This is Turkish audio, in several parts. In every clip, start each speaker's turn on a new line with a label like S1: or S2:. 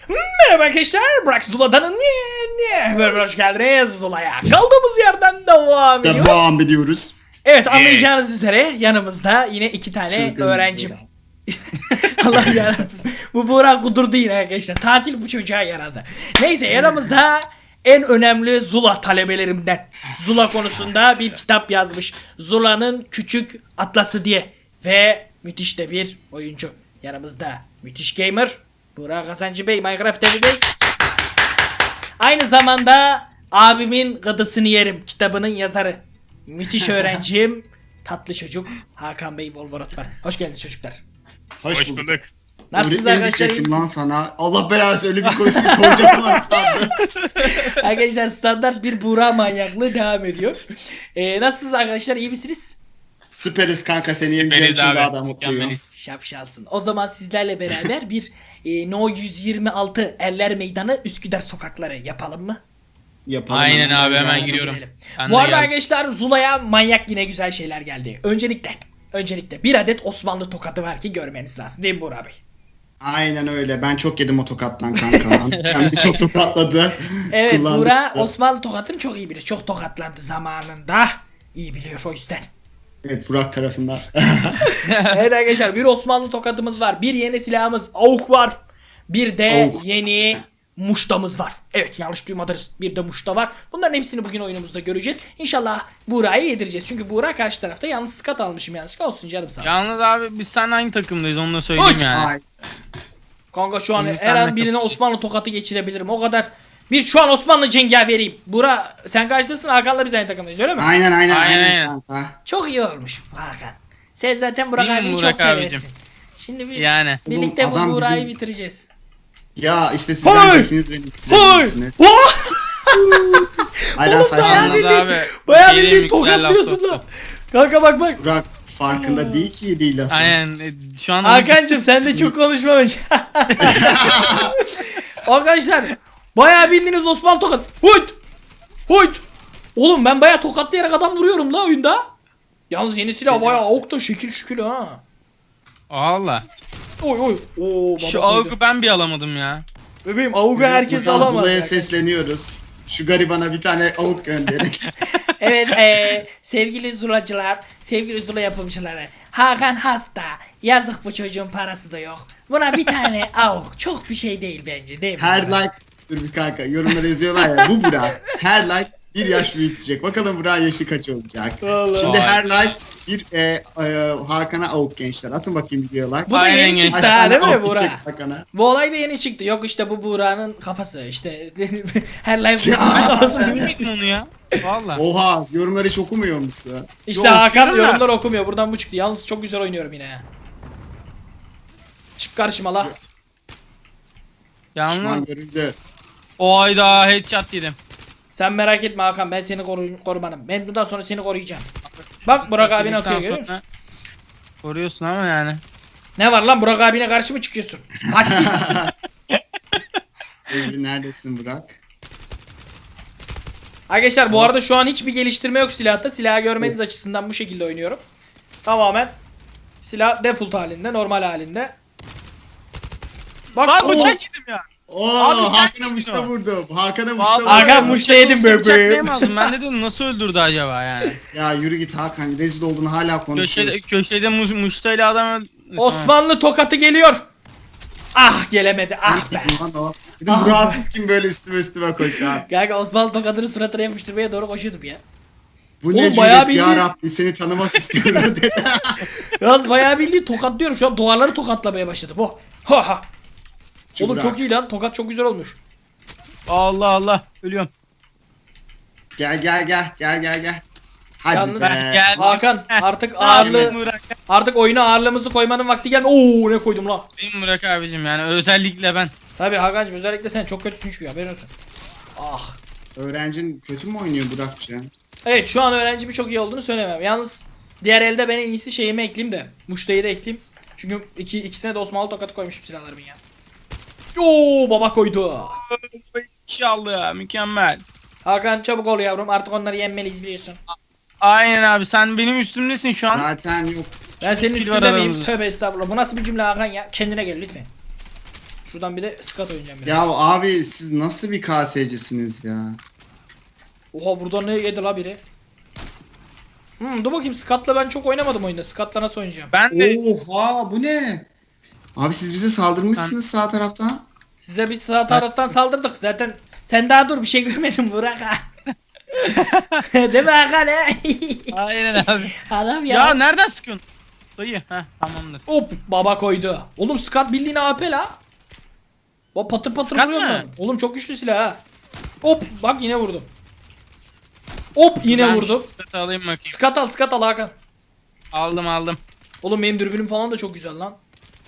S1: Merhaba arkadaşlar, Burak Zula'dan niye böyle hoş geldiniz Zula'ya. Kaldığımız yerden devam ediyoruz.
S2: Devam ediyoruz.
S1: Evet, anlayacağınız üzere yanımızda yine iki tane
S2: Çılgın
S1: öğrencim. Allah yarabbim. Bu Burak kudurdu yine arkadaşlar. Tatil bu çocuğa yaradı. Neyse, yanımızda en önemli Zula talebelerimden. Zula konusunda bir kitap yazmış. Zula'nın Küçük Atlası diye. Ve müthiş de bir oyuncu. Yanımızda müthiş gamer Burak Hasancı Bey, Minecraft TV Bey. Aynı zamanda abimin gıdısını yerim kitabının yazarı. Müthiş öğrencim, tatlı çocuk Hakan Bey Volvorot var. Hoş geldiniz çocuklar.
S2: Hoş bulduk.
S1: Nasılsınız
S2: Öğretmenim
S1: arkadaşlar, iyi
S2: diyecektim lan
S1: misiniz?
S2: sana. Allah belası öyle bir konuşuyor soracağım lan sandım.
S1: Arkadaşlar, standart bir Burak manyaklığı devam ediyor. Nasılsınız arkadaşlar, iyi misiniz?
S2: Süperiz kanka, seni yeneceğim için daha da mutluyum.
S1: Şapşalsın. O zaman sizlerle beraber bir No 126 Eller Meydanı Üsküdar sokakları yapalım mı?
S2: Yapalım.
S3: Aynen abi, hemen
S1: Hadi
S3: giriyorum.
S1: girelim.
S3: Ben
S1: Bu
S3: de
S1: arada
S3: geldim.
S1: arkadaşlar, Zula'ya manyak yine güzel şeyler geldi. Öncelikle bir adet Osmanlı tokadı var ki görmeniz lazım, değil mi Burak Bey?
S2: Aynen öyle. Ben çok yedim o tokattan kanka. Hem de çok tokatladı.
S1: Evet,
S2: Kullandık
S1: Burak
S2: da.
S1: Osmanlı tokatını çok iyi bilir. Çok tokatlandı zamanında. İyi biliyor o yüzden.
S2: Evet, Burak tarafından.
S1: Evet arkadaşlar, bir Osmanlı tokatımız var. Bir yeni silahımız AUK var. Bir de
S2: AUK.
S1: yeni muştamız var. Evet, yanlış duymadınız. Bir de muşta var. Bunların hepsini bugün oyunumuzda göreceğiz. İnşallah Burak'ı yedireceğiz. Çünkü Burak karşı tarafta yalnız skat almışım yanlışlıkla. Olsun canım sağ olsun.
S3: Yalnız abi biz seninle aynı takımdayız, onu da söyleyeyim
S1: Oy!
S3: yani.
S2: Ay.
S1: Kanka şu an
S3: Şimdi
S1: her an
S3: senle
S1: birine
S3: kapışacağız.
S1: Osmanlı tokatı geçirebilirim. O kadar. Şu an Osmanlı cengaveriyim. Burak sen karşıdasın, Hakan'la biz aynı takımdayız, öyle mi?
S2: Aynen
S3: Aynen.
S2: kanka.
S1: Çok iyi olmuş Hakan. Sen zaten Burak
S3: Değil mi
S1: abiyi
S3: Burak
S1: çok seversin.
S3: abicim?
S1: Şimdi
S3: Yani.
S1: birlikte
S2: Oğlum,
S1: bu
S2: adam
S1: Burak'ı
S2: bizim-
S1: bitireceğiz.
S2: Ya işte
S1: Hay!
S2: sizden ikiniz beni bitirebilirsiniz. Aynen
S1: Oğlum, bayağı
S2: sayfanlar.
S1: bildiğin-
S3: abi.
S1: Bayağı
S3: bir şey
S1: bildiğin
S3: diyeyim mi? Güzel laf
S1: tokatlıyorsun lan.
S3: soktu.
S1: Kanka bak.
S2: Burak farkında değil ki yediği lafı.
S3: Aynen. Şu an
S1: Hakan'cım sen de çok konuşmamış. Arkadaşlar, bayağı bildiğiniz Osmanlı tokat. Huyt. Oğlum ben bayağı tokatlayarak adam vuruyorum la oyunda. Yalnız yeni silah bayağı avuk da şekil şükül ha.
S3: Allah.
S1: Oy. Oo,
S3: Şu
S1: baba koydu.
S3: avuku ben bir alamadım ya.
S1: Bebeğim avuga herkes
S2: Buradan
S1: alamaz.
S2: Zula'ya
S1: ya.
S2: sesleniyoruz. Şu garibana bir tane avuk gönderin.
S1: Evet, sevgili Zulacılar, sevgili Zula yapımcıları. Hakan hasta. Yazık, bu çocuğun parası da yok. Buna bir tane avuk çok bir şey değil bence, değil mi?
S2: Her like, dur bir kanka, yorumlara yazıyorlar ya, bu Burak her like bir yaş büyütecek. Bakalım Burak'ın yaşı kaç olacak.
S1: Vallahi.
S2: Şimdi
S3: Vay.
S2: her like bir Hakan'a avuk gençler. Atın bakayım videoya like.
S1: Bu da
S3: Aynen
S1: yeni
S3: genç.
S1: çıktı
S2: Kaç
S1: ha,
S2: tane
S1: değil mi
S2: avuk
S1: Burak?
S2: gidecek Hakan'a?
S1: Bu olay da yeni çıktı. Yok işte bu Buğra'nın kafası işte. Her live
S2: Ya.
S1: kafası.
S3: Bilmiyorum onu ya. Valla.
S2: Oha, yorumları hiç okumuyor musun?
S1: İşte
S3: Yok,
S1: Hakan
S3: okuyorum da.
S1: yorumlar okumuyor. Buradan bu çıktı. Yalnız çok güzel oynuyorum yine ya. Çık karşıma la.
S2: Düşman
S3: Yalnız.
S2: görüldü.
S3: Oyda headshot yedim.
S1: Sen merak etme Hakan, ben seni korumanım. Ben bundan sonra seni koruyacağım. Bak Burak abine atıyor, görüyor musun?
S3: Koruyorsun ama yani.
S1: Ne var lan, Burak abine karşı mı çıkıyorsun? Hadsiz.
S2: Evli neredesin Burak?
S1: Arkadaşlar bu arada şu an hiçbir geliştirme yok silahta. Silahı görmeniz açısından bu şekilde oynuyorum. Tamamen silah default halinde, normal halinde. Bak
S3: Lan
S1: oo.
S3: bıçak yedim ya.
S2: Oo,
S3: Abi,
S2: Hakan'a
S3: sen
S2: muşta
S3: kimsin o?
S2: vurdum. Hakan'a
S3: Vallahi
S2: muşta vurdum.
S1: Hakan muşta yedim bebeğim.
S3: Bıçaklayamazdım. Ben de dedim nasıl öldürdü acaba yani.
S2: Ya yürü git Hakan, rezil olduğunu hala konuşuyor.
S3: Köşede muştayla adam öldü.
S1: Osmanlı tokatı geliyor. Ah, gelemedi. Ah be.
S2: Lan o. Bir de Burak'sız kim böyle üstüme koşar?
S1: Kanka Osmanlı tokatını suratına yapıştırmaya doğru koşuyordum ya.
S2: Bu
S1: Oğlum,
S2: ne
S1: bayağı
S2: cüret ya
S1: bildiğin-
S2: Rabbi, seni tanımak istiyorum dedi.
S1: Yalnız bayağı bildiğin tokatlıyorum. Şu an duvarları tokatlamaya başladım. Oh. Ha. Oğlum
S2: Burak.
S1: çok iyi lan. Tokat çok güzel olmuş.
S3: Allah Allah. Ölüyorum.
S2: Gel. Hadi
S1: Yalnız
S2: be.
S3: Gel.
S1: Hakan artık
S3: Ağırlı.
S1: ağırlığı, artık oyuna ağırlığımızı koymanın vakti geldi. Oo, ne koydum la.
S3: Benim Burak abicim yani özellikle ben.
S1: Tabii Hakan'cığım, özellikle sen çok kötüsün çünkü, haberin olsun. Ah.
S2: Öğrencin kötü mü oynuyor Burak'cığım?
S1: Evet, şu an öğrencimin çok iyi olduğunu söylemem. Yalnız diğer elde ben en iyisi şeyimi ekleyeyim de. Muştayı da ekleyeyim. Çünkü ikisine de Osmanlı tokatı koymuşum silahlarımın ya. Oo, baba koydu.
S3: İnşallah mükemmel.
S1: Hakan çabuk ol yavrum, artık onları yenmeliyiz biliyorsun.
S3: Aynen abi, sen benim üstümdesin şu an.
S2: Zaten yok.
S1: Ben senin
S3: Skill var
S1: üstünde miyim?
S3: aramızda.
S1: Tövbe estağfurullah. Bu nasıl bir cümle Hakan ya? Kendine gel lütfen. Şuradan bir de skat oynayacağım biraz.
S2: Ya abi siz nasıl bir KS'cisiniz ya?
S1: Oha burada ne yedi la biri? Dur bakayım skatla ben çok oynamadım oyunda. Skatla nasıl oynayacağım?
S3: Ben de
S2: Oha bu ne? Abi siz bize saldırmışsınız sağ taraftan.
S1: Size biz sağ taraftan saldırdık zaten. Sen daha dur bir şey görmedin Burak ha. Değil mi Hakan he?
S3: aynen abi.
S1: Adam ya.
S3: Ya nereden sıkıyorsun? Dayı. Heh tamamdır.
S1: Hop baba koydu. Oğlum skat bildiğin AP la. Bak patır patır
S3: Skat
S1: vuruyor
S3: mı?
S1: lan. Oğlum çok güçlü silah ha. Hop bak yine vurdum. Hop yine
S3: Ben
S1: vurdum.
S3: şu seti alayım bakayım.
S1: Skat al Hakan.
S3: Aldım.
S1: Oğlum benim dürbünüm falan da çok güzel lan.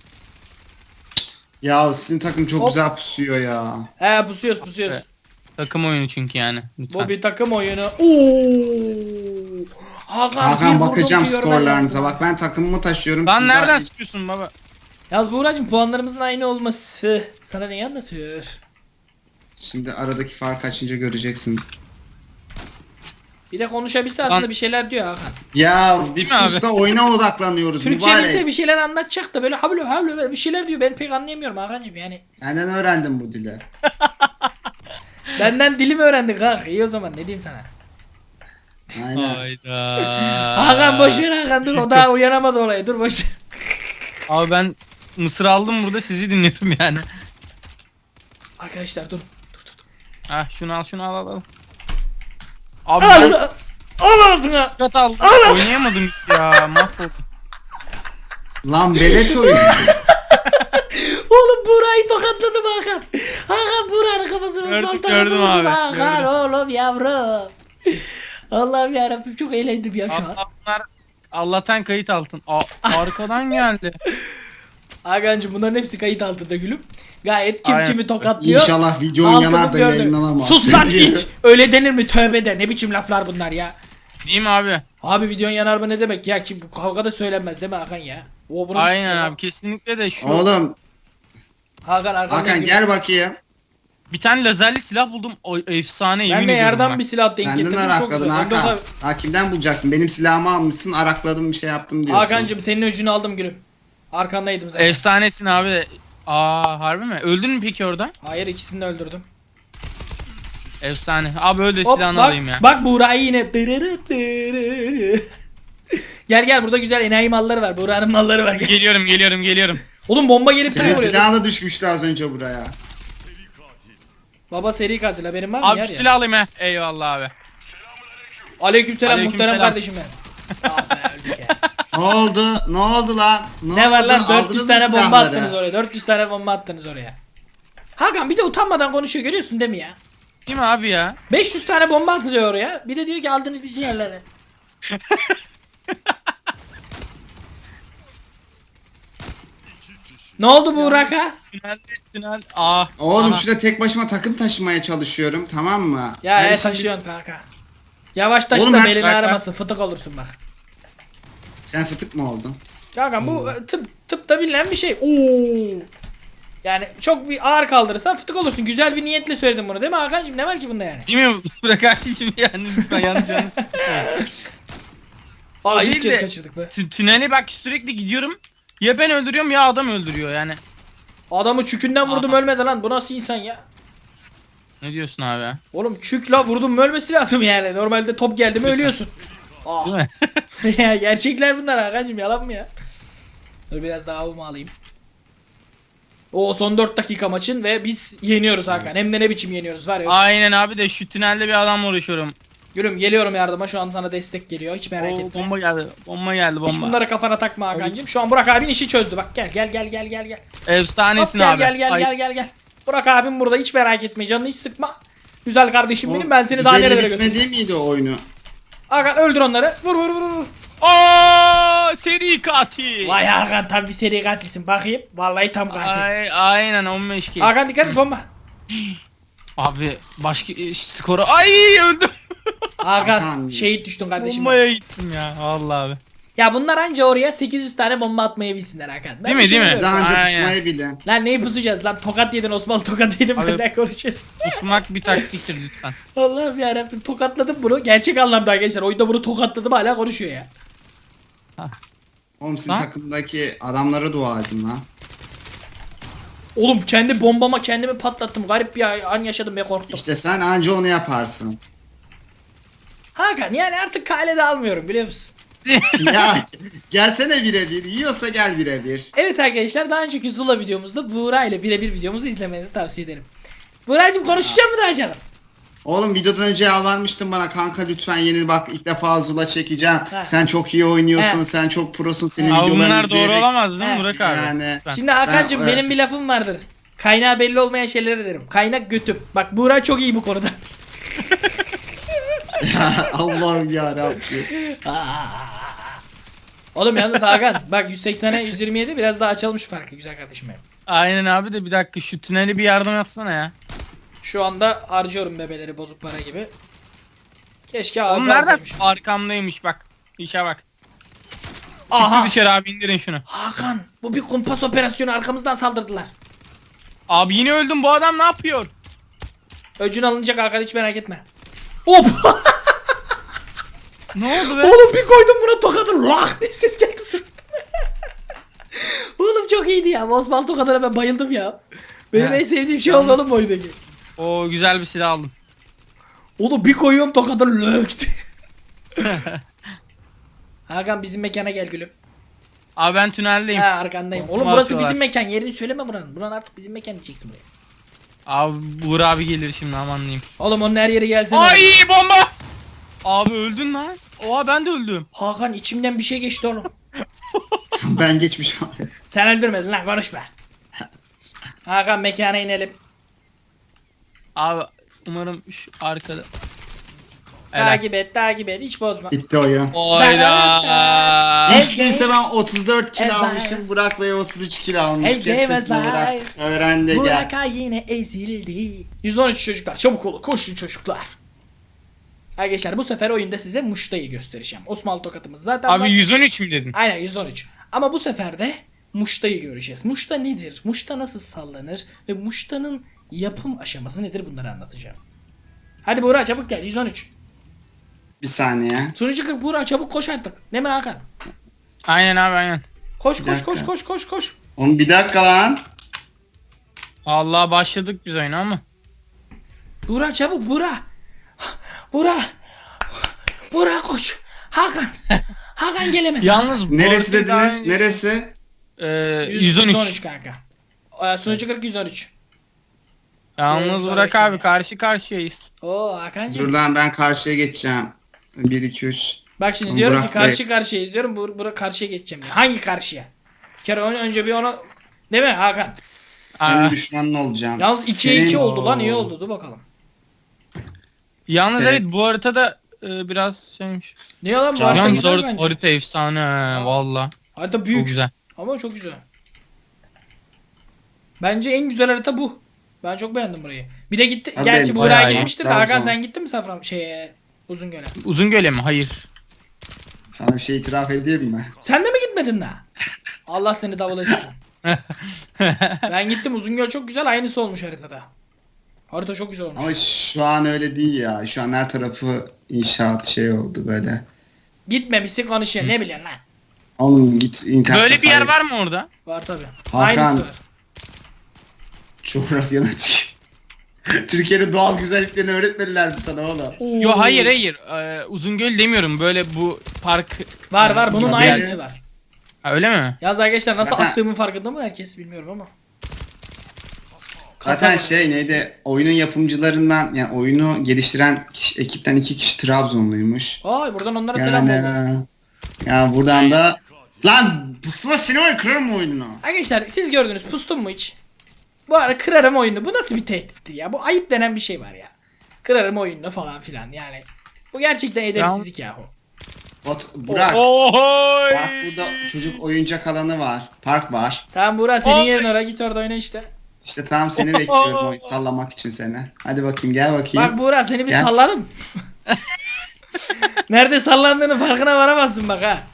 S2: Ya sizin takım çok
S1: Hop.
S2: güzel pusuyor ya.
S1: He pusuyoruz.
S3: Evet. Takım oyunu çünkü yani. Lütfen.
S1: Bu bir takım oyunu. Oo!
S2: Hakan
S1: bir
S2: bakacağım
S1: vurdum ki görmen
S2: skorlarınıza.
S1: lazım.
S2: Bak ben takımımı taşıyorum.
S3: Lan
S2: siz
S3: nereden
S2: daha-
S3: sıkıyorsun baba?
S1: Yalnız Buğra'cığım puanlarımızın aynı olması sana neyi anlatıyor?
S2: Şimdi aradaki fark açınca göreceksin.
S1: Bir de konuşabilse aslında bir şeyler diyor Hakan.
S2: Ya
S3: Değil
S2: biz
S3: mi abi?
S2: usta oyuna odaklanıyoruz.
S1: Türkçe
S2: mübarek.
S1: bilse bir şeyler anlatacak da böyle hablo bir şeyler diyor. Ben pek anlayamıyorum Hakan'cığım yani.
S2: Senden öğrendim bu dili.
S1: Benden dilimi öğrendin kanka. İyi o zaman ne diyeyim sana.
S2: Aynen.
S3: Hayda.
S1: Hakan boşver Hakan dur o daha uyanamadı olaya dur boşver.
S3: Abi ben mısır aldım burada sizi dinliyorum yani.
S1: Arkadaşlar dur.
S3: Ah şunu al. Abi
S1: Al,
S3: ben
S1: al ağzına.
S3: skat aldım.
S1: Al.
S3: Oynayamadım ya mahvoldum.
S2: Lan velet oyun.
S1: Oğlum Buğra'yı tokatladım Hakan. Hakan Buğra'nın kafasını
S3: Gördüm,
S1: ısmaltaladım.
S3: gördüm abi,
S1: Hakan
S3: gördüm.
S1: oğlum yavrum. Allah'ım yarabbim çok eğlendim ya şu an.
S3: Bunlar Allah'tan kayıt altın. Arkadan geldi.
S1: Hakan'cığım bunların hepsi kayıt altında gülüm. Gayet kim
S3: Aynen.
S1: kimi tokatlıyor.
S2: İnşallah videon
S1: Halkımız
S2: yanar da
S1: gördü.
S2: yayınlanamaz.
S1: Sus lan it. Öyle denir mi? Tövbe de. Ne biçim laflar bunlar ya.
S3: Değil mi abi?
S1: Abi videon yanar mı ne demek ya ki bu kavgada söylenmez değil mi Hakan ya? O bunu
S3: Aynen abi kesinlikle de şu.
S2: Oğlum
S1: Hakan arkamdan
S2: Hakan
S1: gülüm.
S2: gel bakayım.
S3: Bir tane lazerli silah buldum. O efsane yemin
S1: Ben de
S3: ediyorum.
S1: yerden
S3: bak.
S1: bir silah denk
S2: Kendin
S1: getirdim çok
S2: arakladın
S1: güzel. Hem de o
S2: Hakan.
S1: da-
S2: Ha, kimden bulacaksın? Benim silahımı almışsın, arakladım bir şey yaptım diyorsun.
S1: Hakan'cığım senin öcünü aldım gülüm. Arkandaydım zaten.
S3: Efsanesin abi. Harbi mi? Öldün mü peki orada?
S1: Hayır ikisini de öldürdüm.
S3: Efsane. Abi öyle
S1: Hop
S3: silahını
S1: bak,
S3: alayım ya.
S1: bak Buğra'yı yine. Gel burada güzel enayi malları var. Buğra'nın malları var. Gel.
S3: Geliyorum.
S1: Oğlum bomba gelip
S2: Senin
S1: duruyor buraya.
S2: silahın da düşmüştü az önce buraya.
S1: Baba seri katil haberin var mı?
S3: Abi
S1: Yer
S3: şu
S1: ya.
S3: silah alayım he. Eyvallah abi.
S1: Aleykümselam muhterem
S3: Aleykümselam.
S1: kardeşim benim. Ah be öldük ya.
S2: Ne oldu? Ne oldu lan?
S1: Ne var
S2: oldu?
S1: lan
S2: Aldınız
S1: 400
S2: mı
S1: tane bomba
S2: silahları?
S1: attınız oraya. 400 tane bomba attınız oraya. Hakan bir de utanmadan konuşuyor görüyorsun değil mi ya?
S3: Değil mi abi ya?
S1: 500 tane bomba atılıyor oraya. Bir de diyor ki aldınız bir yerlere. Ne oldu Buğraka?
S3: Tünel.
S2: Oğlum
S3: Aha.
S2: şurada tek başıma takım taşımaya çalışıyorum, tamam mı?
S1: Ya
S2: Her
S1: evet
S2: işin-
S1: taşıyorsun kanka. Yavaş taşı
S2: Oğlum
S1: da
S2: ben-
S1: belini
S3: bak-
S1: ağrımasın fıtık olursun bak.
S2: Sen fıtık mı oldun?
S1: Kanka bu tıpta bilinen bir şey. Oo. Yani çok bir ağır kaldırırsan fıtık olursun. Güzel bir niyetle söyledim bunu değil mi Hakan'cığım? Ne var ki bunda yani?
S3: Değil mi? Bırak abicim yani lütfen yanlış.
S1: Aa ilk
S3: değil
S1: kez
S3: de-
S1: kaçırdık be.
S3: Tüneli bak sürekli gidiyorum. Ya ben öldürüyorum ya adam öldürüyor yani.
S1: Adamı çükünden vurdum ölmedi lan. Bu nasıl insan ya?
S3: Ne diyorsun abi ya?
S1: Oğlum çük la vurdum mu ölmesi lazım yani. Normalde top geldi mi ölüyorsun. Ah.
S3: Değil mi?
S1: Ya gerçekler bunlar Hakan'cığım yalan mı ya? Dur biraz daha avımı alayım. O son 4 dakika maçın ve biz yeniyoruz Hakan. Hem de ne biçim yeniyoruz var ya.
S3: Aynen abi de şu tünelde bir adamla uğraşıyorum.
S1: Gülüm geliyorum yardıma şu an sana destek geliyor hiç merak
S3: Oo,
S1: etme.
S3: bomba geldi.
S1: Hiç bunları kafana takma Hakan'cığım. Şu an Burak abin işi çözdü bak gel. Hop,
S3: Efsanesin
S1: gel,
S3: abi.
S1: gel. Burak abim burada hiç merak etme canını hiç sıkma. Güzel kardeşim benim ben seni daha
S2: Güzel
S1: nerelere
S2: bitmedi
S1: götürürüm.
S2: miydi o oyunu?
S1: Hakan öldür onları. Vur.
S3: Seri katil.
S1: Vay Hakan tam bir seri katilsin bakayım. Vallahi tam katil.
S3: Aynen 15 kill.
S1: Hakan dikkat et bomba.
S3: Abi başka skoru. Ay öldüm.
S1: Hakan
S2: Hakan.
S1: şehit düştün kardeşim.
S3: Bombaya gittim ya. Vallahi abi.
S1: Ya bunlar anca oraya 800 tane bomba atmayı bilsinler Hakan. Ben
S3: Değil
S1: bir
S3: mi,
S1: şey
S3: değil mi?
S1: diyorum.
S2: Daha önce
S3: Aynen.
S2: tutmayı bilen.
S1: Lan neyi pusacağız lan tokat yedin Osman tokat yedin
S3: Abi-
S1: benden konuşacağız.
S3: Susmak bir taktiktir lütfen.
S1: Allah'ım yarabbim tokatladım bunu. Gerçek anlamda arkadaşlar oyunda bunu tokatladım hala konuşuyor ya.
S2: Oğlum sizin
S3: Ha?
S2: takımdaki adamlara dua edin lan.
S1: Oğlum kendi bombama kendimi patlattım. Garip bir an yaşadım ve korktum.
S2: İşte sen anca onu yaparsın.
S1: Hakan yani artık kalede almıyorum biliyor musun?
S2: Ya gelsene birebir. Yiyorsa gel birebir.
S1: Evet arkadaşlar daha önceki Zula videomuzda Buğra ile birebir videomuzu izlemenizi tavsiye ederim. Buğra'cığım konuşacak mı daha canım?
S2: Oğlum videodan önce yalvarmıştın bana kanka lütfen yeni bak ilk defa Zula çekeceğim.
S1: Ha.
S2: Sen çok iyi oynuyorsun,
S1: Ha.
S2: sen çok prosun, senin
S3: Abi
S2: videolarını
S3: bunlar doğru
S2: izleyerek.
S3: olamaz değil mi
S1: He.
S3: Burak abi?
S2: Yani-
S3: Lütfen.
S1: Şimdi Hakan'cığım
S2: Ben-
S1: benim bir lafım vardır. Kaynağı belli olmayan şeyleri derim. Kaynak götüm. Bak Buğra çok iyi bu konuda.
S2: Ya Allah'ım yarabbim.
S1: Oğlum yalnız Hakan bak 180'e 127 biraz daha açalım şu farkı güzel kardeşim benim.
S3: Aynen abi de bir dakika şu tüneli bir yardım yapsana ya.
S1: Şu anda harcıyorum bebeleri bozuk para gibi. Keşke abi
S3: Oğlum nereden?
S1: alsaymışım.
S3: Arkamdaymış bak. İşe bak.
S1: Aha.
S3: Çıktı dışarı abi indirin şunu.
S1: Hakan bu bir kumpas operasyonu arkamızdan saldırdılar.
S3: Abi yine öldüm bu adam ne yapıyor?
S1: Öcün alınacak Hakan hiç merak etme. Hop!
S3: Ne oldu be?
S1: Oğlum bir koydum buna tokadı lak diye ses geldi suratıma. Oğlum çok iyiydi ya. Osman tokadına ben bayıldım ya. Benim
S3: He.
S1: en sevdiğim şey oldu oğlum bu oyundaki.
S3: O güzel bir silah aldım.
S1: Oğlum bir koyuyorum tokadı lök diye. Hakan bizim mekana gel gülüm.
S3: Abi ben tüneldeyim.
S1: Ha arkandayım. Oğlum
S3: Kuma
S1: burası
S3: atıyorlar.
S1: bizim mekan. Yerini söyleme buranın. Buranın artık bizim mekan diyeceksin buraya.
S3: Abi Buğra abi gelir şimdi aman diyeyim.
S1: Oğlum onun her yeri gelsene.
S3: Ay bomba! Abi öldün lan. Oha ben de öldüm.
S1: Hakan içimden bir şey geçti oğlum.
S2: Ben geçmiş abi.
S1: Sen öldürmedin lan konuşma. Hakan mekana inelim.
S3: Abi umarım şu arkada. Evet.
S1: Takip et hiç bozma.
S2: Bitti oyun.
S3: Oyda.
S2: Hiç değilse ben 34 kill
S1: Ezber.
S2: almışım. Burak Bey 33 kill almış.
S1: Ezber,
S2: Kes sesini
S1: ezber.
S2: Burak. Öğren de gel.
S1: Burak'a yine ezildi. 113 çocuklar çabuk olun koşun çocuklar. Arkadaşlar bu sefer oyunda size muştayı göstereceğim. Osmanlı tokatımız zaten var.
S3: Abi 113 mü dedin?
S1: Aynen 113. Ama bu sefer de muştayı göreceğiz. Muşta nedir? Muşta nasıl sallanır? Ve muştanın yapım aşaması nedir? Bunları anlatacağım. Hadi Buğra çabuk gel 113.
S2: Bir saniye.
S1: Sunucu 40 Buğra çabuk koş artık. Değil mi Hakan?
S3: Aynen abi aynen.
S1: Koş
S2: Bir
S1: koş
S2: dakika.
S1: koş koş koş koş.
S2: Oğlum bir dakika lan.
S3: Allah başladık biz oyuna ama.
S1: Buğra çabuk Buğra. Buğra. Buğra koş. Hakan. Hakan gelemedi.
S3: Yalnız bu
S2: Neresi
S3: arada daha
S2: dediniz?
S3: önce-
S2: Neresi?
S3: 113.
S1: kanka. Sunucu 40 113.
S3: Yalnız Burak abi karşı karşıyayız.
S1: Oo
S2: Dur
S1: Hakan'cığım.
S2: lan ben karşıya geçeceğim. 1 2 3.
S1: Bak şimdi diyorum
S2: Burak
S1: ki karşı karşıya izliyorum. Burak karşıya geçeceğim. diyor. Hangi karşıya? Bir kere önce bir onu değil mi Hakan?
S2: Senin
S3: Aa.
S2: düşmanın olacağım.
S1: Yalnız 2'ye 2
S2: Senin-
S1: oldu lan iyi oldu dur bakalım.
S3: Yalnız
S2: Şey-
S3: evet bu haritada biraz şeymiş.
S1: Ne lan bu
S2: Tamam.
S1: harita
S3: Yalnız
S1: güzel bence.
S3: harita efsane valla.
S1: Harita büyük.
S3: Çok güzel.
S1: Ama çok güzel. Bence en güzel harita bu. Ben çok beğendim burayı. Bir de gitti.
S2: Abi
S1: Gerçi
S2: benim
S1: Buğra
S3: bayağı iyi.
S1: gitmiştir de
S2: Trabzon.
S1: Hakan sen gittin mi Safran Uzungöl'e?
S3: Uzungöl'e mi? Hayır.
S2: Sana bir şey itiraf edeyim mi?
S1: Sen de mi gitmedin daha? Allah seni davul etsin. Ben gittim Uzungöl çok güzel aynısı olmuş haritada. Harita çok güzel olmuş.
S2: Ama şu an öyle değil ya. Şu an her tarafı inşaat şey oldu böyle.
S1: Gitmemişsin konuşuyor ne biliyorsun lan?
S2: Oğlum git internet.
S3: Böyle bir yer var mı orada?
S1: Var tabi.
S2: Hakan.
S1: Aynısı var.
S2: Coğrafyana çık. Türkiye'nin doğal güzelliklerini öğretmediler mi sana oğlum?
S1: Oo.
S3: Yo hayır hayır. Uzungöl demiyorum. Böyle bu park.
S1: Var bunun
S2: Tabii.
S1: aynısı var.
S3: Ha, öyle mi?
S1: Yaz arkadaşlar nasıl
S2: Zaten-
S1: attığımın farkında mı herkes bilmiyorum ama.
S2: Zaten
S1: Kasaba.
S2: şey neydi? Oyunun yapımcılarından yani oyunu geliştiren ekipten 2 kişi Trabzonluymuş.
S1: Ay buradan onlara selam oldu.
S2: Ya buradan da lan pusula seni var kırarım oyununu.
S1: Arkadaşlar siz gördünüz pustum mu hiç? Bu ara kırarım oyunu. Bu nasıl bir tehdittir ya? Bu ayıp denen bir şey var ya. Kırarım oyununu falan filan yani. Bu gerçekten edepsizlik yahu.
S2: Burak
S3: Ohoy!
S2: bak burada çocuk oyuncak alanı var. Park var.
S1: Tamam Buğra senin
S3: Oy.
S1: yerin oraya git orada oyna işte.
S2: İşte tam seni bekliyorum oyun sallamak için seni. Hadi bakayım gel bakayım.
S1: Bak Buğra seni bir
S2: Gel.
S1: sallarım. Nerede sallandığını farkına varamazsın bak ha.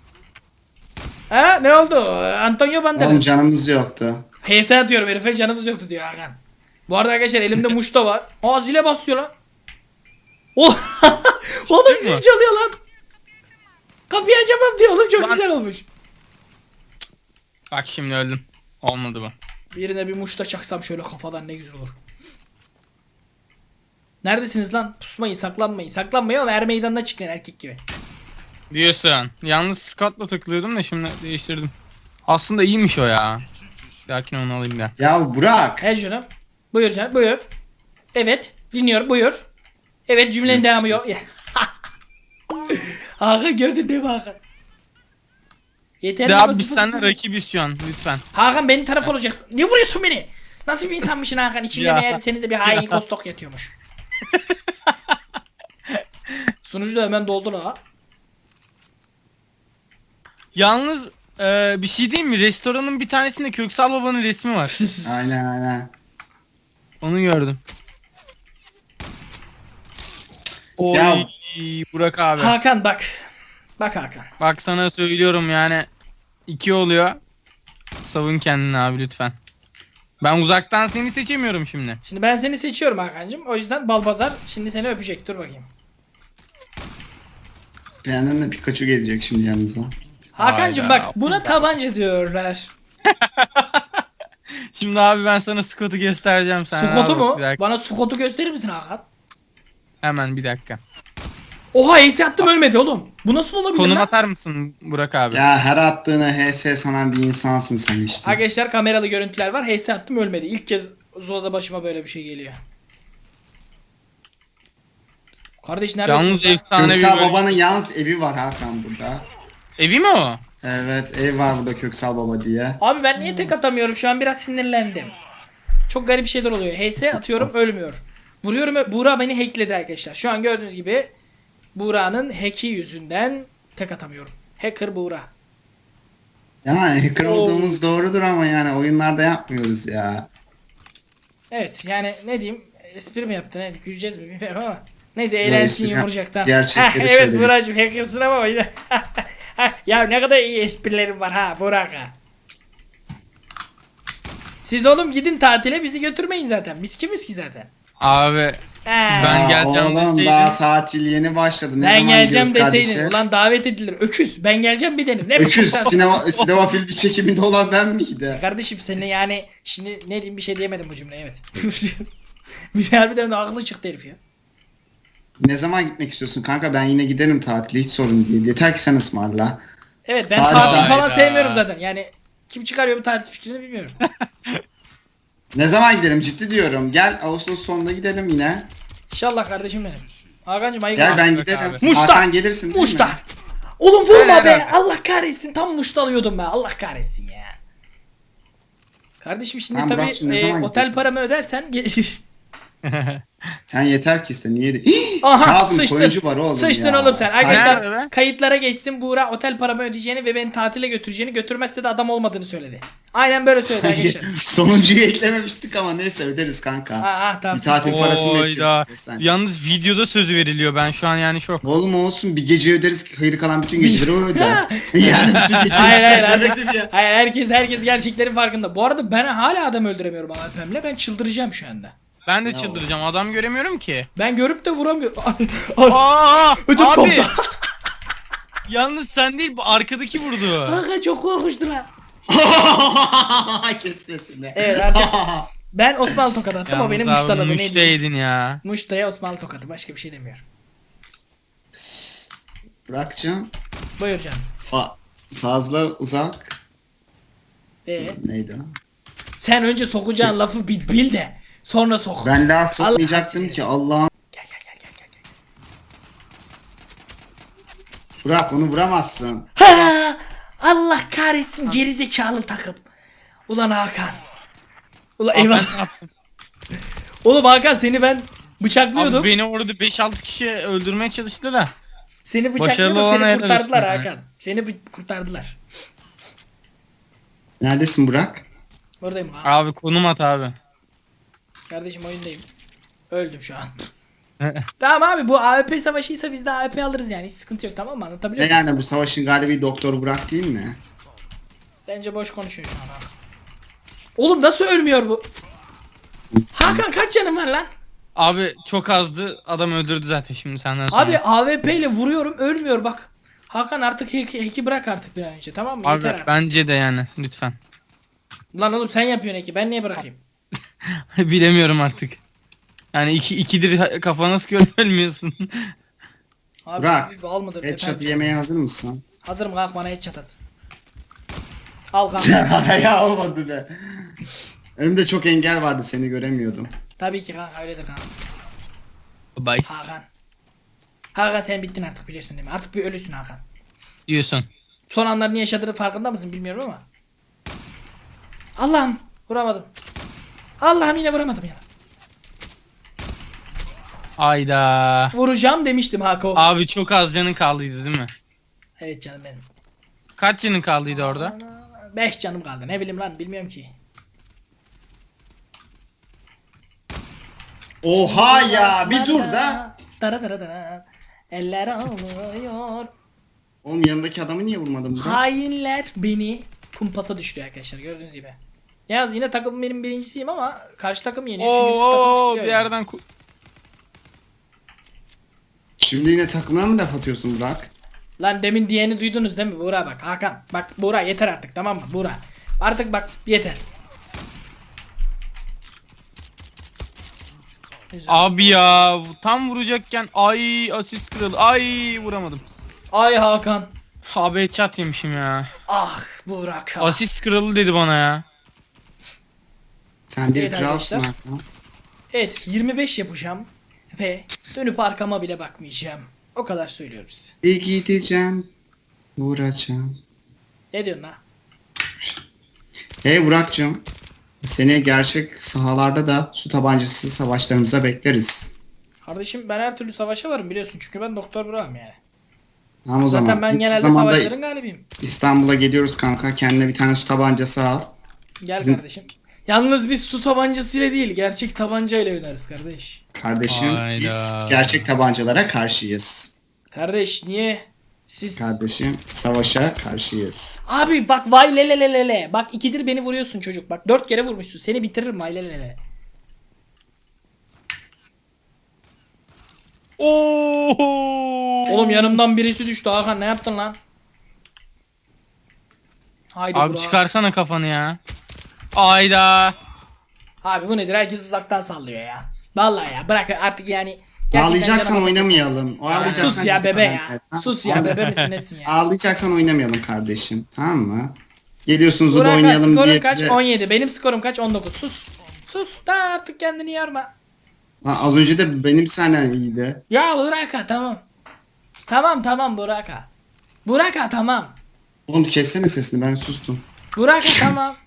S1: Ha ne oldu? Antonio
S2: Oğlum
S1: Banderas.
S2: canımız yoktu.
S1: PS atıyorum herife canımız yoktu diyor Hakan. Bu arada arkadaşlar elimde muşta var. Aa zile basıyor lan. Oh! Oğlum zil
S3: mi?
S1: çalıyor lan. Kapıyı açamam diyor oğlum çok
S3: Lan-
S1: güzel olmuş.
S3: Bak şimdi öldüm. Olmadı bu.
S1: Birine bir muşta çaksam şöyle kafadan ne güzel olur. Neredesiniz lan? Pusmayın, saklanmayın. Saklanmayın ama er meydanına çıkın erkek gibi.
S3: Diyorsun. Yalnız Scott'la takılıyordum da şimdi değiştirdim. Aslında iyiymiş o ya. Lakin onu alayım da.
S2: Ya Burak.
S1: He canım. Buyur canım, buyur. Evet, dinliyorum, buyur. Evet, cümlenin devamı yok. Hakan gördün değil mi Hakan? Yeter
S3: De
S1: mi?
S3: abi biz seninle rakibiz şu an lütfen.
S1: Hakan benim taraf olacaksın. Niye vuruyorsun beni? Nasıl bir insanmışsın Hakan? İçinde
S3: Ya.
S1: meğer senin de bir hain kostok yatıyormuş. Sunucu da hemen doldu la.
S3: Yalnız bir şey diyeyim mi? Restoranın bir tanesinde Köksal Baba'nın resmi var.
S2: Aynen.
S3: Onu gördüm. Oy
S2: Ya.
S3: Burak abi.
S1: Hakan bak. Bak Hakan.
S3: Bak sana söylüyorum yani 2 oluyor. Savun kendini abi lütfen. Ben uzaktan seni seçemiyorum şimdi.
S1: Şimdi ben seni seçiyorum Hakan'cığım. O yüzden Balbazar şimdi seni öpecek. Dur bakayım.
S2: Beğendin mi? Pikachu gelecek şimdi yanınıza.
S1: Hakan'cığım
S3: Hayda.
S1: bak buna tabanca diyorlar.
S3: Şimdi abi ben sana Scott'u göstereceğim sana.
S1: Sukot'u
S3: Abi,
S1: mu?
S3: bir dakika.
S1: Bana Sukot'u gösterir misin Hakan?
S3: Hemen bir dakika.
S1: Oha ace attım ölmedi oğlum. Bu nasıl olabilir
S3: Konum
S1: lan?
S3: atar mısın Burak abi?
S2: Ya her attığına HS sanan bir insansın sen işte.
S1: Arkadaşlar kameralı görüntüler var. HS attım ölmedi. İlk kez Zula'da başıma böyle bir şey geliyor. Kardeş neredesin?
S3: Yalnız
S1: sen?
S3: efsane bir
S2: Köksal
S3: bölüm.
S2: Baba'nın yalnız evi var Hakan burada.
S3: Evi mi o?
S2: Evet ev var burada Köksal Baba diye.
S1: Abi ben niye tek atamıyorum? Şu an biraz sinirlendim. Çok garip şeyler oluyor. HS atıyorum ölmüyor. Vuruyorum. Buğra beni hackledi arkadaşlar. Şu an gördüğünüz gibi Buğra'nın hack'i yüzünden tek atamıyorum. Hacker Buğra.
S2: Yani hacker olduğumuz doğrudur ama yani oyunlarda yapmıyoruz ya.
S1: Evet yani ne diyeyim? Espri mi yaptın? Ne? Güleceğiz mi bilmiyorum ama. Neyse eğlensin
S2: espri-
S1: yumurcaktan.
S2: gerçekleri
S1: Evet
S2: söyledim.
S1: Buğra'cığım hackersın ama yine. Ya ne kadar iyi esprilerim var ha Burak ha. Siz oğlum gidin tatile bizi götürmeyin zaten. Biz kimiz ki zaten?
S3: Abi Ben
S2: Aa,
S3: geleceğim
S2: oğlum
S3: deseydin.
S2: daha tatil yeni başladı. Ne
S1: Ben
S2: zaman
S1: geleceğim
S2: gidiyoruz
S1: deseydin.
S2: kardeşim?
S1: Ulan davet edilir. Öküz. Ben geleceğim bir dedim. Ne
S2: Öküz
S1: biçim-
S2: sinema film çekiminde olan ben miydi?
S1: Kardeşim seni yani şimdi ne diyeyim bir şey diyemedim bu cümleye evet. Bir harbiden de aklı çıktı herif ya.
S2: Ne zaman gitmek istiyorsun kanka? Ben yine giderim tatile hiç sorun değil. Yeter ki sen ısmarla.
S1: Evet ben
S2: Hayda.
S1: tatil falan
S3: Hayda.
S1: sevmiyorum zaten. Yani kim çıkarıyor bu tatil fikrini bilmiyorum.
S2: Ne zaman gidelim ciddi diyorum. Gel Ağustos sonunda gidelim yine.
S1: İnşallah kardeşim benim. Hakan'cım ayık
S2: Gel
S1: ol.
S2: ben
S3: Bak
S2: giderim.
S3: abi.
S1: Muşta.
S2: Hakan gelirsin değil
S1: Muşta.
S2: mi?
S1: Oğlum vurma
S3: Helal
S1: be.
S3: abi.
S1: Allah kahretsin. Tam muşta alıyordum be. Allah kahretsin ya. Kardeşim şimdi
S2: Tamam,
S1: tabii
S2: Burak'cığım, ne zaman
S1: otel
S2: gidiyorsun?
S1: paramı ödersen
S2: Sen yeter ki iste niye?
S1: Aha
S2: Kazım
S1: sıçtın.
S2: koyuncu var oğlum
S1: Sıçtın
S2: ya.
S1: oğlum sen.
S2: Sen-
S1: Arkadaşlar
S3: Nerede be?
S1: kayıtlara geçsin Buğra otel paramı ödeyeceğini ve beni tatile götüreceğini götürmezse de adam olmadığını söyledi. Aynen böyle söyledi arkadaşlar.
S2: Sonuncuyu eklememiştik ama neyse öderiz kanka.
S1: Tamam
S2: Bir tatil
S1: sıçtın.
S2: parasını
S3: Oyda.
S2: verirsin sen.
S3: Yalnız videoda sözü veriliyor. Ben şu an yani şok.
S2: Oğlum olsun bir gece öderiz hayır kalan bütün geceleri o öder. Yani bütün geceleri
S1: Hayır
S2: sen
S1: hayır
S2: demedim ya.
S1: hayır herkes gerçeklerin farkında. Bu arada ben hala adam öldüremiyorum AWP'mle. Ben çıldıracağım şu anda.
S3: Ben de
S2: Ya
S3: çıldıracağım. Adam göremiyorum ki.
S1: Ben görüp de vuramıyorum.
S3: Aa!
S1: Ödüm
S3: abi.
S1: koptu.
S3: Yalnız sen değil bu arkadaki vurdu.
S1: Aga çok korkunçtu lan.
S2: Kes sesini.
S1: Evet artık ben Osmanlı tokat attım o beni
S3: Yalnız abi
S1: muştaladı. Ne diyeyim?
S3: müşteydin ya.
S1: Muşta'ya Osmanlı tokatı başka bir şey demiyorum.
S2: Bırakacağım.
S1: Buyur canım.
S2: Fazla uzak. Neydi o?
S1: Sen önce sokacağın lafı bil de sonra sok.
S2: Ben daha
S1: Allah
S2: sokmayacaktım
S1: seni.
S2: ki Allah'ım.
S1: Gel gel gel gel gel.
S2: Bırak onu vuramazsın.
S1: Ha! Allah kahretsin gerizekalı takım. Ulan Hakan. Ulan eyvallah. Oğlum Hakan seni ben bıçaklıyordum.
S3: Abi beni orada 5-6 kişi öldürmeye çalıştı da.
S1: Seni
S3: başarılı
S1: bıçaklıyordum
S3: olana
S1: seni
S3: helal
S1: kurtardılar
S3: olsun ya.
S1: Hakan. Seni kurtardılar.
S2: Neredesin Burak?
S1: Buradayım abi.
S3: Abi konum at abi.
S1: Kardeşim oyundayım. Öldüm şu an. Tamam abi bu AWP savaşıysa biz de AWP alırız yani hiç sıkıntı yok tamam mı anlatabiliyor
S2: Ne
S1: muyum?
S2: yani bu savaşın galibi Doktor Burak değil mi?
S1: Bence boş konuşuyor şu an Hakan. Oğlum nasıl ölmüyor bu? Hakan kaç canın var lan?
S3: Abi çok azdı. Adam öldürdü zaten şimdi senden sonra.
S1: Abi AWP ile vuruyorum ölmüyor bak. Hakan artık hack'i bırak artık bir an önce tamam mı?
S3: Abi
S1: Yeter artık.
S3: bence de yani lütfen.
S1: Lan oğlum sen yapıyorsun ki ben niye bırakayım?
S3: Bilemiyorum artık. Yani ikidir kafa nasıl görmüyorsun?
S1: Abi
S2: Burak,
S1: bir bal mıdır?
S2: Headshot
S1: efendim?
S2: yemeye hazır mısın?
S1: Hazırım kalk bana headshot at. Al kanka.
S2: Ya olmadı be. Önümde çok engel vardı, seni göremiyordum.
S1: Tabii ki kanka öyledir kanka.
S3: Bye.
S1: Hakan. Hakan sen bittin artık biliyorsun değil mi? Artık bir ölüsün Hakan.
S3: Diyorsun.
S1: Son anlarını yaşadığını farkında mısın bilmiyorum ama. Allah'ım vuramadım. Allah'ım yine vuramadım ya.
S3: Ayda.
S1: Vuracağım demiştim Hako.
S3: Abi çok az canın kaldıydı değil mi?
S1: Evet canım benim.
S3: Kaç canın kaldıydı orada?
S1: 5 canım kaldı ne bileyim lan bilmiyorum ki.
S2: Oha ya, bir dur da.
S1: Dara dara dara. Eller ağlıyor.
S2: Oğlum yanındaki adamı niye vurmadın Burak?
S1: Hainler beni kumpasa düşürüyor arkadaşlar gördüğünüz gibi. Yalnız yine takım benim birincisiyim ama karşı takım yeniyor çünkü bizim takım
S3: Oo
S1: tutuyor
S3: bir
S1: yani.
S3: yerden
S2: Şimdi yine takımına mı laf atıyorsun Burak?
S1: Lan demin diyeni duydunuz değil mi Buğra bak Hakan. Bak Buğra yeter artık tamam mı Buğra. Artık bak yeter. Güzel.
S3: Abi ya tam vuracakken ay asist kırıldı. Ay vuramadım.
S1: Ay Hakan.
S3: Abi headshot yemişim ya.
S1: Ah Burak.
S3: Asist kırıldı dedi bana ya.
S2: Sen bir
S1: Evet
S2: kralsın
S1: arkadaşlar.
S2: Hakan.
S1: Evet 25 yapacağım. Ve dönüp arkama bile bakmayacağım. O kadar söylüyorum size.
S2: Bir gideceğim, vuracağım.
S1: Ne diyorsun lan?
S2: Hey Burak'cığım. Seni gerçek sahalarda da su tabancası savaşlarımıza bekleriz.
S1: Kardeşim ben her türlü savaşa varım biliyorsun çünkü ben Doktor Burak'ım yani.
S2: Tamam o
S1: Zaten
S2: zaman.
S1: ben
S2: İlk
S1: genelde
S2: zamanda
S1: savaşların galibiyim.
S2: İstanbul'a geliyoruz kanka. Kendine bir tane su tabancası al.
S1: Gel
S2: Bizim-
S1: kardeşim. Yalnız biz su tabancasıyla değil gerçek tabancayla oynarız kardeş.
S2: Kardeşim
S3: Hayda.
S2: biz gerçek tabancalara karşıyız.
S1: Kardeş niye? Siz...
S2: Kardeşim savaşa karşıyız.
S1: Abi bak vay le le le le le. Bak ikidir beni vuruyorsun çocuk. Bak 4 kere vurmuşsun. Seni bitiririm vay le le le.
S3: Oo.
S1: Oğlum yanımdan birisi düştü Hakan ne yaptın lan? Haydi
S3: Abi
S1: Burak.
S3: çıkarsana kafanı ya. Ayda.
S1: Abi bu nedir? Herkes uzaktan sallıyor ya. Vallahi ya bırak artık yani. Gerçekten
S2: Ağlayacaksan
S1: canıma-
S2: oynamayalım. Ağlayacaksan
S1: Sus ya
S2: cidden
S1: bebe ya.
S2: oynamayalım.
S1: Sus ya bebe misin nesin ya?
S2: Ağlayacaksan oynamayalım kardeşim. Tamam mı? Geliyorsunuz da
S1: Burak
S2: oynayalım
S1: skorun
S2: diye
S1: kaç?
S2: bize...
S1: 17. Benim skorum kaç? 19. Sus. Sus da artık kendini yorma.
S2: Lan az önce de benim senden iyiydi.
S1: Ya Burak'a tamam. Tamam Burak'a. Burak'a tamam.
S2: Oğlum kessene sesini, ben sustum.
S1: Burak'a tamam.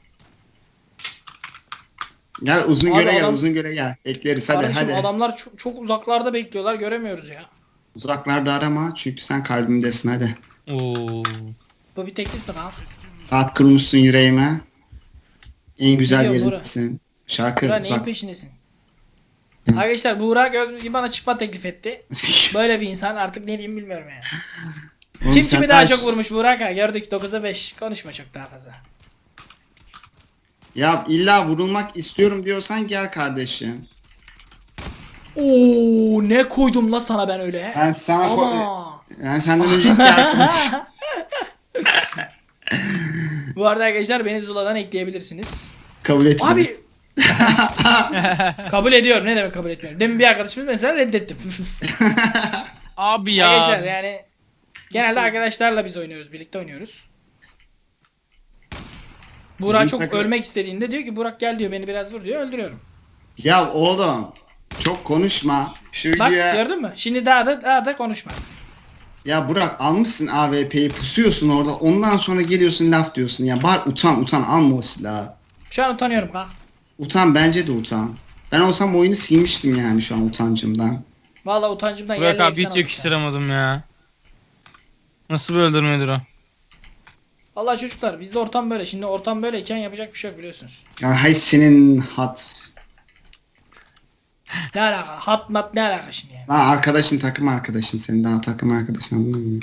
S2: Gel uzun
S1: Abi
S2: göre gel,
S1: adam-
S2: uzun göre gel. Bekleriz hadi
S1: Kardeşim
S2: hadi.
S1: adamlar çok uzaklarda bekliyorlar göremiyoruz ya.
S2: Uzaklarda arama çünkü sen kalbimdesin hadi.
S3: Oo.
S1: Bu bir teklif mi lan?
S2: Kalp kırmışsın yüreğime. En güzel
S1: Biliyorum, Burak.
S2: yerindesin. Şarkı
S1: Burak neyin
S2: uzak.
S1: peşindesin? Arkadaşlar Burak gördüğünüz gibi bana çıkma teklif etti. Böyle bir insan artık ne diyeyim bilmiyorum yani.
S2: Oğlum
S1: Kim
S2: sen
S1: kimi daha
S2: kaç-
S1: çok vurmuş Burak'a gördük 9'a 5. Konuşma çok daha fazla.
S2: Ya illa vurulmak istiyorum diyorsan gel kardeşim.
S1: Oo ne koydum la sana ben öyle.
S2: Ben sana
S1: Ama.
S2: yani senden önceki arkadaş.
S1: Bu arada arkadaşlar beni Zula'dan ekleyebilirsiniz.
S2: Kabul etmedim.
S1: Abi. Kabul ediyorum. Ne demek kabul etmiyorum. Demin bir arkadaşımız mesela reddettim.
S3: Abi ya.
S1: Arkadaşlar yani genelde arkadaşlarla biz oynuyoruz. Birlikte oynuyoruz. Burak
S2: Bizim
S1: çok
S2: takım-
S1: ölmek istediğinde diyor ki Burak gel diyor beni biraz vur diyor öldürüyorum.
S2: Ya oğlum çok konuşma. Şu
S1: Bak
S2: videoya...
S1: gördün mü? Şimdi daha da konuşma artık.
S2: Ya Burak almışsın AWP'yi, pusuyorsun orada, ondan sonra geliyorsun laf diyorsun ya. Bak utan alma o silahı.
S1: Şu an utanıyorum kalk.
S2: Utan, bence de utan. Ben olsam oyunu silmiştim yani şu an utancımdan.
S1: Vallahi utancımdan
S3: Burak
S1: yerle
S3: abi
S1: yeksan
S3: hiç
S1: oldum
S3: yakıştıramadım ya. Nasıl bir öldürmedir o?
S1: Vallahi çocuklar bizde ortam böyle. Şimdi ortam böyleyken yapacak bir şey yok biliyorsunuz.
S2: Ya hay senin hat.
S1: Ne alaka? Hat mat ne alaka şimdi yani?
S2: Lan arkadaşın, takım arkadaşın, senin daha takım arkadaşın, anladın mı?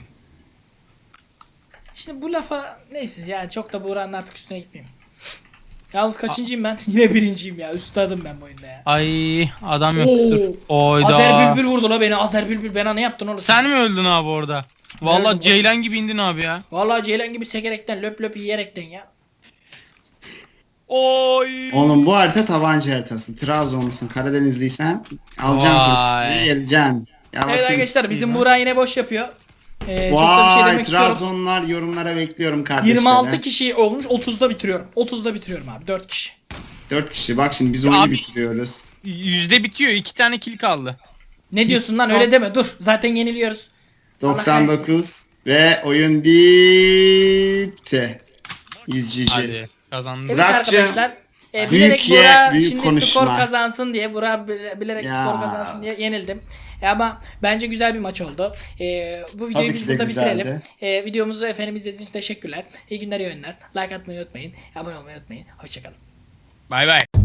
S1: Şimdi bu lafa neyse yani çok da Buğra'nın artık üstüne gitmeyeyim. Yalnız kaçıncıyım ben? Yine birinciyim ya. Üstadım ben bu oyunda ya.
S3: Ay adam yok.
S1: Oo.
S3: Dur. Oyda.
S1: Azer Bülbül vurdu la beni. Azer Bülbül bana ne yaptın oğlum?
S3: Sen mi öldün abi orada? Vallahi
S1: öldüm.
S3: Ceylan gibi indin abi ya.
S1: Vallahi Ceylan gibi sekerekten löp löp yiyerekten ya.
S3: Oy.
S2: Oğlum bu harita tabanca haritası. Trabzonlusun, Karadenizliysen alacaksın
S3: Vay.
S2: fırsatı, geleceksin. Ya
S1: Evet
S2: bakayım
S1: arkadaşlar
S2: işte.
S1: bizim Buğra yine boş yapıyor. Çok da bir şey
S2: Vay
S1: demek istiyorum.
S2: Trabzonlular yorumlara bekliyorum kardeşlerim.
S1: 26 kişi olmuş 30'da bitiriyorum. 30'da bitiriyorum abi 4 kişi.
S2: 4 kişi bak şimdi biz oyunu
S3: Abi-
S2: bitiriyoruz.
S3: Yüzde bitiyor. 2 tane kill kaldı.
S1: Ne diyorsun lan öyle deme dur zaten yeniliyoruz. Allah
S2: 99 ve oyun bitti. İzcici.
S3: Hadi kazandık.
S1: Evet
S2: Burak'cığım,
S1: arkadaşlar.
S2: büyük
S1: Bilerek
S2: ye,
S1: Burak
S2: büyük
S1: şimdi
S2: konuşma.
S1: skor kazansın diye bilerek
S2: Ya.
S1: skor kazansın diye yenildim. Ama bence güzel bir maç oldu. Bu videoyu
S2: Tabii
S1: biz
S2: ki de
S1: burada
S2: güzeldi.
S1: bitirelim. Videomuzu efendim izlediğiniz için teşekkürler. İyi günler, iyi oyunlar. Like atmayı unutmayın. Abone olmayı unutmayın. Hoşçakalın.
S3: Bay bay.